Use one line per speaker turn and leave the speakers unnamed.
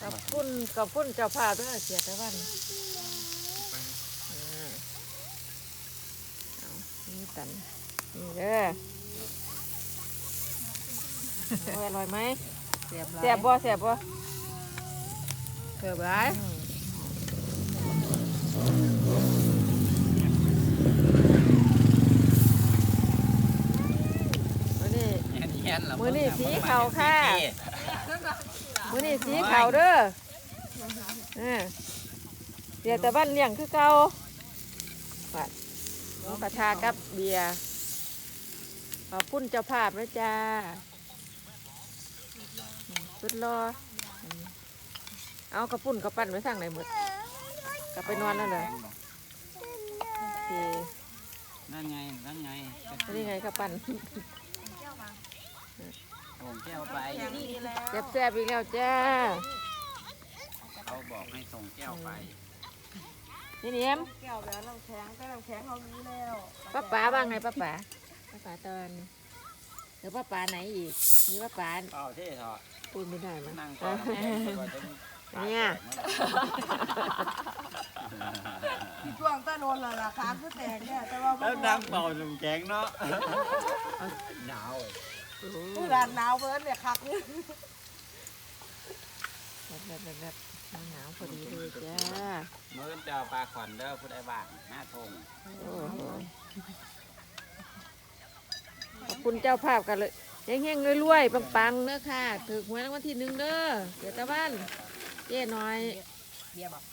กับพุ่นเจ้าภาพด้วยเสียแต่วันนี่ตันนี่เด้ออร่อยไหมแซ่บบ่มื้อนี้สีขาวค่ะมื้อนี้สีขาวเด้อเดี๋ยวแต่บ้านเลี้ยงคือเก่าหมูกระทะกับเบียร์ขอบคุณเจ้าภาพนะจ้าสุดรอเอากระปุ่นกระปั้นไว้ทางไหนหมดกลับไปนอนแล้วเลยโอเค
นั่นไง
นี่ไงกระปั้น
ส่งแก้วไป
แซ่บอีกแล้วจ้า
เขาบอกให้ส่งแก้วไป
นี่เนียม
แก้วแล้วน้ำแข็งเขามีแล้ว
ป้าบ้างไงป้าตอนหรือป้าไหนอีกมีป้า
เปล่าเท่ถอด
พูดไม่ได้มั้ง
นั่งก่อน
เนี่ย
ช่วงต้นโดนละขาคือแตกเนี่ยแต่ว่า
แล้วนั่งเป่าน้ำแข็งเนาะหนาว
ผู้ร้านหนาวเบิ้ลเนี่ยคักนี่
แบบหนาวพอดีเลยจ้า
มื้อเจ้าปลาขวัญเด้อผู้ใดบ้างหน้าทง
ขอบคุณเจ้าภาพกันเลยเฮงๆรวยๆปังๆเด้อค่ะถือหวยรางวัลที่1เด้อเดี๋ยวตะวันเจ๊น้อย
เบียร์บอก